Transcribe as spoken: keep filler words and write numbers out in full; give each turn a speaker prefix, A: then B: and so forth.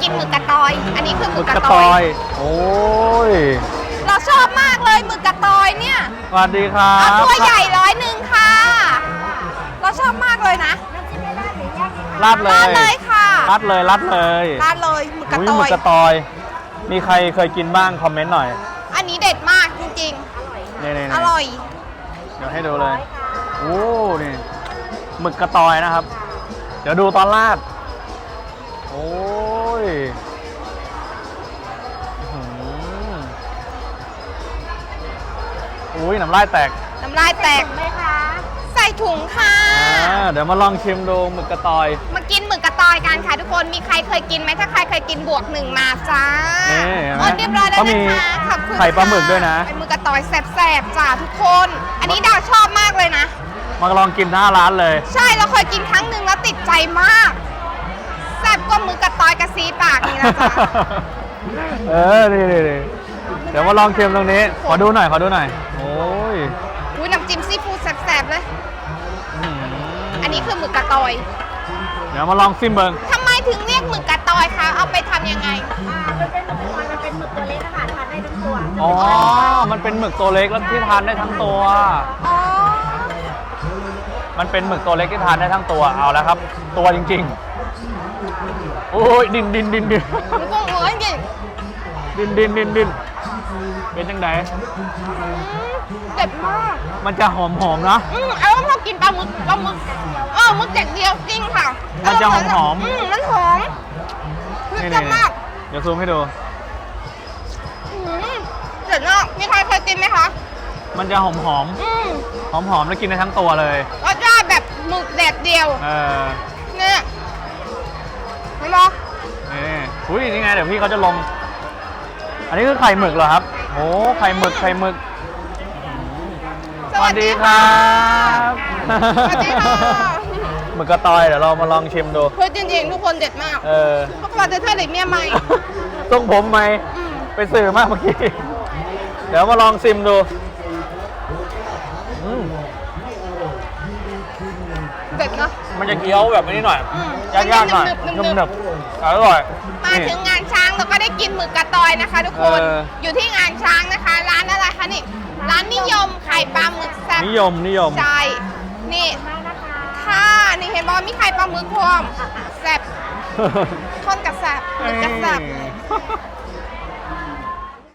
A: กินหมึกกระตอย อันนี้คือห
B: ห
A: มึ
B: มึ
A: ก
B: ก
A: ก
B: ก
A: ระ
B: ระ
A: ต
B: ต
A: อ
B: อย ยโอ้ย
A: เราชอบมากเลยหมึกกระตอยเนี่ย
B: สวัสดีครั
A: เอา
B: บ
A: ตัวใหญ่ร้อยหนึ่งค่ะ เราชอบมากเลยนะ
B: ราดเล
A: ราด
B: ย
A: เลยค่ะ
B: ราดเลยราดเลย
A: ราดเลยหมึกกระ
B: อุ้ย
A: ต
B: หมึ
A: อก ย
B: กระตอย มีใครเคยกินบ้างคอมเมนต์หน่อย
A: อันนี้เด็ดมากจริง
B: นี่นี่
A: ๆ อร่อย
B: เดี๋ยวให้ดูเลยโอ้นี่หมึกกระตอยนะครับ เดี๋ยวดูตอนราดโอ้ยอื้อหืออุ้ยน้ำลายแตก
A: น้ำลายแตกไหมคะ ใส่ถุงค่ะ
B: อ่าเดี๋ยวมาลองชิมดูหมึกกระตอย
A: มากินหมึกกระตอยกันค่ะทุกคน มีใครเคยกินไหมถ้าใครเคยกินบวกหนึ่งมาจ้า
B: นี่เห็นไหม
A: โอ้เรียบร้อยแล้ว
B: เขามี
A: นะคะขอบคุณ
B: ไข่ปลาหมึกด้วยนะ
A: เป็นหมึกกระตอยแสบๆจ้าทุกคน อันนี้ดาวชอบมากเลยนะ
B: มาลองกินหน้าร้านเลย
A: ใช่เราเคยกินครั้งหนึ่งแล้วติดใจมากแซ่บกว่าหมึกกระตอยกระซีปากนี่นะจ๊ะ
B: เออนี่นี่นี่เดี๋ยวมาลองชิมตรงนี้ ขอดูหน่อย ขอดูหน่อย โอ้ย
A: อุ้ยน้ำจิ้มซีฟู้ดแสบๆเลย
B: อื้อหื
A: อันนี้คือหมึกกระตอย
B: เดี๋ยวมาลองซิมเบิง
A: ทำไมถึงเรียกหมึกกระตอยคะ เอาไปทำยังไง
C: อ่ามันเป็นหมึกมันมันเป็นหมึกตัวเล็กนะคะทานได้ทั้งตัว
B: อ๋อ มันเป็นหมึกตัวเล็กแล้วที่ทานได้ทั้งตัว
A: อ๋อ
B: มันเป็นหมึกตัวเล็กที่ทานได้ทั้งตัว เอาแล้วครับ ตัวจริงๆ โอ้ยดินดินดินดิน
A: หนูก็เอ้ยดิ
B: ดินดินดินดินเป็นจังได
A: เด็ดมาก
B: มันจะหอมหอมๆนะ
A: อืมเอาพอกินปลาหมึกปลาหมึกเออหมึกแดดเดียวจริงค่ะ
B: มันจะหอมๆ
A: อืมมันหอมคือ
B: นี่
A: จะมาก
B: เดี๋ยวซูมให้ดู
A: อืมเด็ดมากมีใครเคยกินไหมคะ
B: มันจะหอมหอม
A: อืม
B: หอมหอมๆแล้วกินได้ทั้งตัวเลย
A: รสชาติแบบหมึกแดดเดียว
B: เออ
A: เนี่ยเห็นไหม
B: นี่อุ้ยนี่ไงเดี๋ยวพี่เขาจะลง อันนี้คือไข่หมึกเหรอครับโอ้ไข่หมึกไข่หมึก
A: สวัสดี
B: ค
A: ค่ะ
B: รับ
A: สวัสดีค่ะ
B: หมึกกระตอยเดี๋ยวเรามาลองชิมดู
A: เฮ้ยจริงๆทุกคนเด็ดมาก
B: เออ
A: เพราะว่าจะเท่าไหร่เมียใหม่
B: ต้องผมไหม
A: อืม
B: ไปสื่อมากเมื่อกี้ เดี๋ยวมาลองชิมดูอืม
A: เด็ดเนาะ
B: มันจะเคี้ยวแบบนี้หน่อย
A: อืม
B: ยากๆหน่อย
A: มันจะ
B: นุ่
A: หนึบๆ
B: มๆอร่อย
A: มา
B: นี่
A: ถึงงานช้างเราก็ได้กินหมึกกระตอยนะคะ ทุกคน
B: เออ
A: อยู่ที่งานช้างนะคะ ร้านอะไรคะนี่ ร้านนิยมไข่ปลาหมึกแซ่บ
B: นิยมนิยม
A: ใช่นี่ค่ะนี่เห็นบอกมีไข่ปลาหมึกพร้อมแซ่บคนกับแซ่บหมึกกับแซ่บ
B: เอ้ย